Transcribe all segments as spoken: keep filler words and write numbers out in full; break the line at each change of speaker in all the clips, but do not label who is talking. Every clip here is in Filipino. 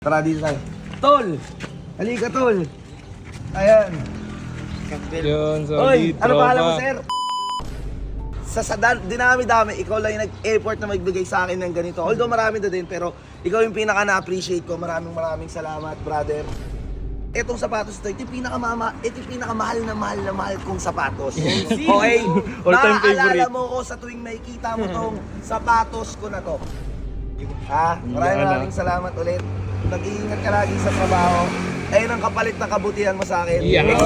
Tara dito tayo. Tol! Halika, Tol! Ayan.
Yun,
Oy,
solid,
ano
tropa.
pangalan mo, sir? Sa, sa dan- dinami-dami, ikaw lang yung nag-effort na magbigay sa akin ng ganito. Although marami na din, pero ikaw yung pinaka na-appreciate ko. Maraming maraming salamat, brother. Etong sapatos to, ito yung pinakamama, ito yung pinakamahal na mahal na mahal kong sapatos. Okay?
All-time
Naaalala
favorite.
mo ko sa tuwing makikita mo tong sapatos ko na to. Ha? Maraming
Yan, ah.
maraming salamat ulit. Nag-iingat ka lagi sa trabaho. Ayun ang kapalit na kabutihan mo sa akin.
Yeah.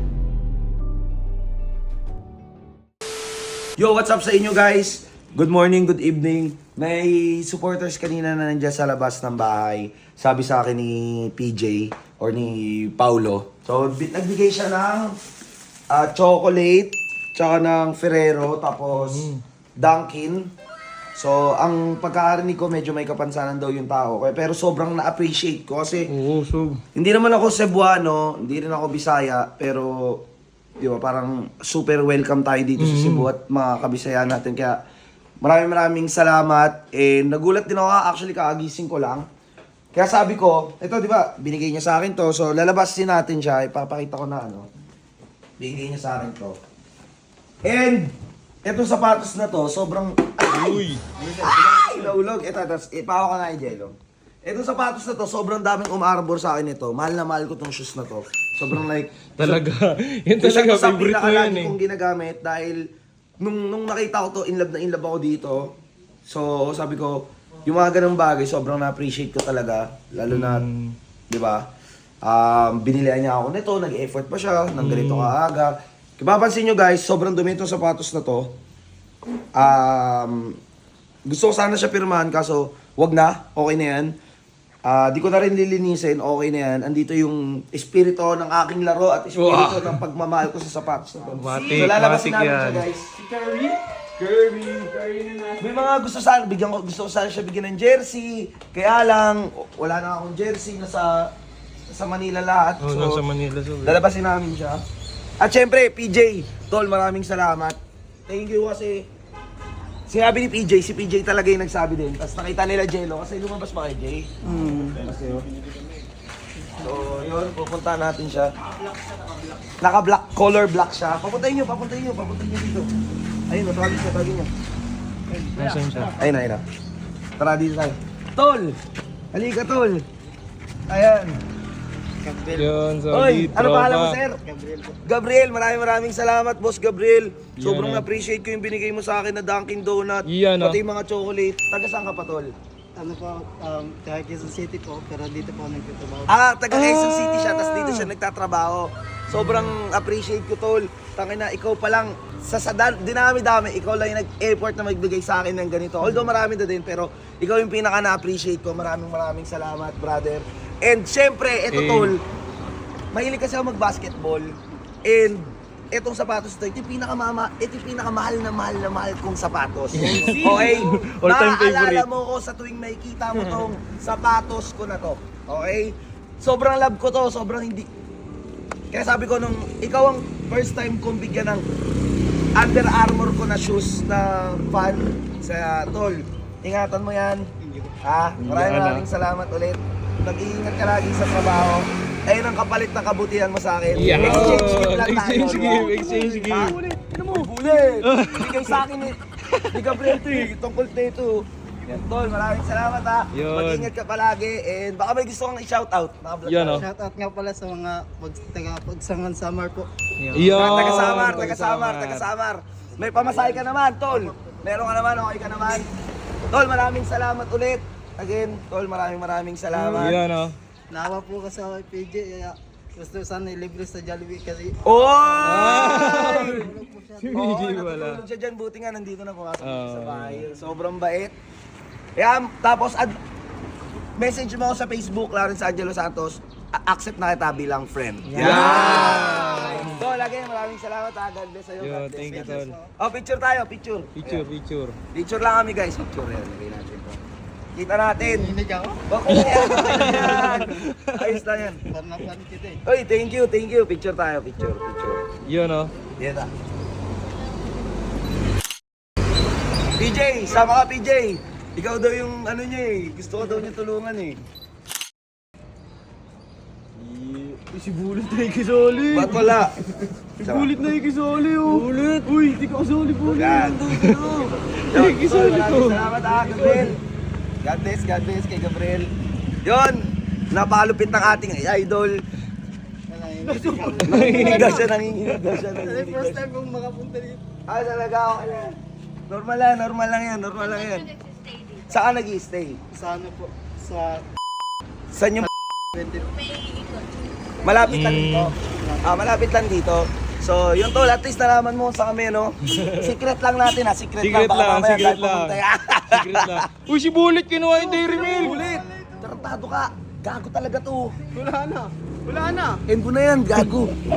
Yo, what's up sa inyo guys? Good morning, good evening. May supporters kanina na nandiyan sa labas ng bahay. Sabi sa akin ni P J or ni Paulo. So, bi- nagbigay siya ng ah, chocolate, tsaka ng Ferrero, tapos Dunkin. So, ang pagkakarinig ko, medyo may kapansanan daw yung tao. Kaya- Pero sobrang na-appreciate ko kasi
Oo, so.
hindi naman ako Cebuano, hindi rin ako Bisaya, pero di ba, parang super welcome tayo dito sa Cebu at mga kabisayan natin. Kaya maraming maraming salamat. Eh, nagulat din ako, actually kaagising ko lang. Kaya sabi ko, ito di ba, binigay niya sa akin to. So lalabasin natin siya, ipapakita ko na ano. Binigay niya sa akin to. And, etong sapatos na to, sobrang...
Uy.
Ay! Naulog. Ito, tapos ipawa ka na yung jello. Itong sapatos na to, sobrang daming umarbor sa akin ito. Mahal na mahal ko tong shoes na to. Sobrang like...
Talaga. Yan
Isa
talaga,
to sa
favorite mo
pinakalagi
yan eh.
kong ginagamit dahil nung, nung nakita ko to, in love na in love ako dito. So, sabi ko, yung mga ganung bagay, sobrang na-appreciate ko talaga. Lalo na,
Mm.
di ba? Um, binilihan niya ako nito, nag-effort pa siya, nang ganito kaaga. Kung mapapansin nyo guys, sobrang dumi itong sapatos na to. Um, gusto ko sana siya pirmahan, kaso wag na, okay na yan. Ah, di ko na rin lilinisin, okay na yan. Andito yung espiritu ng aking laro at espiritu ng pagmamahal ko sa sapatos na to.
Matik,
So lalabasin
matik
namin
yan.
siya guys. Si Curry? Curry. Curry na May mga gusto sana, bigyan ko, gusto ko sana siya bigyan ng jersey. Kaya lang, wala na akong jersey, nasa, sa Manila lahat.
Oo,
So,
nasa Manila. So.
lalabasin namin siya. At syempre, P J, Tol, maraming salamat. Thank you kasi sinabi ni P J, si P J talaga yung nagsabi din. Tapos nakita nila Jello kasi lumabas ba kay Jay? Mm. Kasi yun. So, yun, pupunta natin siya. Naka-black, color black siya. Papuntahin nyo, papuntahin nyo, papuntahin nyo dito. Ayun, natawagin siya, tawagin nyo.
Nasaan siya?
Ayun na, ayun na. Tara dito tayo. Tol! Halika, Tol! Ayan.
Yun,
Oy,
solid,
ano
tropa.
pangalan mo, sir? Gabriel. Gabriel, maraming maraming salamat, Boss Gabriel. Sobrang
Yan, ah.
appreciate ko yung binigay mo sa akin na Dunkin Donut.
Yan, ah.
Pati yung mga chocolate. Taga saan ka pa, Tol?
Ano po, um, taga Quezon City po, pero dito po nagtatrabaho.
Ah, taga Quezon City siya, tapos dito siya nagtatrabaho. Sobrang appreciate ko, Tol. Tangina, ikaw pa lang, sa, sa dan- dinami-dami, ikaw lang yung nag-effort na magbigay sa akin ng ganito. Although marami na din, pero ikaw yung pinaka na-appreciate ko. Maraming maraming salamat, brother. And syempre, eto,
Eh.
Tol, mahilig kasi ako mag-basketball. And etong sapatos to, ito yung pinakamama, ito yung pinakamahal na mahal na mahal kong sapatos. Okay?
All-time
Naaalala
favorite.
mo ko sa tuwing makikita mo tong sapatos ko na to. Okay? Sobrang love ko to, sobrang hindi. Kaya sabi ko nung ikaw ang first time kong bigyan ng Under Armour ko na shoes na fan sa Tol. Ingatan mo yan. Ha? Maraming
Yan, ah.
maraming salamat ulit. Nag-iingat ka lagi sa trabaho. Ayun ang kapalit na kabutihan mo sa akin.
Yeah.
Exchange gift lang tayo.
Exchange
di ba?
gift, exchange gift.
Ha? Ano mo? Bulit! Bigay sa akin eh. Di Gabriel to eh. Tungkol na ito. Yan, Tol, maraming salamat ha.
Yun.
Mag-ingat ka palagi. And baka may gusto kang i-shoutout. Naka-vlog
Yan,
tayo.
oh.
Shoutout nga pala sa mga pag, taga Pagsangan Summer po.
Yun.
Ah, taga-Samar, taga-Samar, taga-Samar. May pamasahe ka naman, Tol. Meron ka naman, okay ka naman. Tol, maraming salamat ulit. Again, Tol, maraming maraming salamat.
Yan, oh.
Naawa po kasi ako kay P J, kaya gusto sana ilibre sa Jollibee kasi
Oy!
Si
Oo,
Miggy wala.
natutulog siya dyan. Buti nga nandito na pumasok
Oo.
sa bahay. Sobrang bait. Kaya, tapos, ad- message mo ako sa Facebook, Lawrence Angelo Santos. A- accept na kita bilang friend. Yeah! So, lagi, maraming salamat ha. God bless sa'yo.
Yun,
God bless.
thank you,
God bless.
Tol.
Oh, picture tayo, picture.
Picture,
Ayan.
picture.
Picture lang kami guys. Picture yan. Lagay natin to. Kita natin.
hinig ako.
Okay na yan. Okay na yan. Ayos lang yan.
Parang napanik kita eh.
Oy, thank you, thank you. Picture tayo, picture, picture.
Yun, oh.
Yan ah. P J, sama ka P J. Ikaw daw yung ano niya eh. Gusto ko daw niya tulungan eh.
Si Bulit na ikisoli.
Ba't wala?
Si Bulit na ikisoli oh. Bulit. Uy, di ka kasoli Bulit.
Yan.
Ay, ikisoli ko.
Salamat ah, Gabriel. God bless, God bless kay Gabriel. Yun, napalupit ng ating idol. Nanginginig daw siya, nanginginig daw siya.
Kasi
nanginginig
first
daw siya.
time kong makapunta dito.
Ah, talaga okay lang. Normal lang, normal lang yan, normal lang yan. Saan nag-i-stay?
Sa ano po? Sa
Saan yung
twenty.
malapit lang dito? Ah, malapit lang dito. So, yun tol, at least nalaman mo sa kami, no? Secret lang natin ha, secret,
Secret
lang. Baka
lang,
mamaya
secret
kahit
lang.
pumunta yan.
Secret lang. Uy, si Bulit kinuha yung Dairy Milk.
Ulit! Tarantado ka! Gago talaga to!
Wala na. Wala na.
End mo na yan, gago!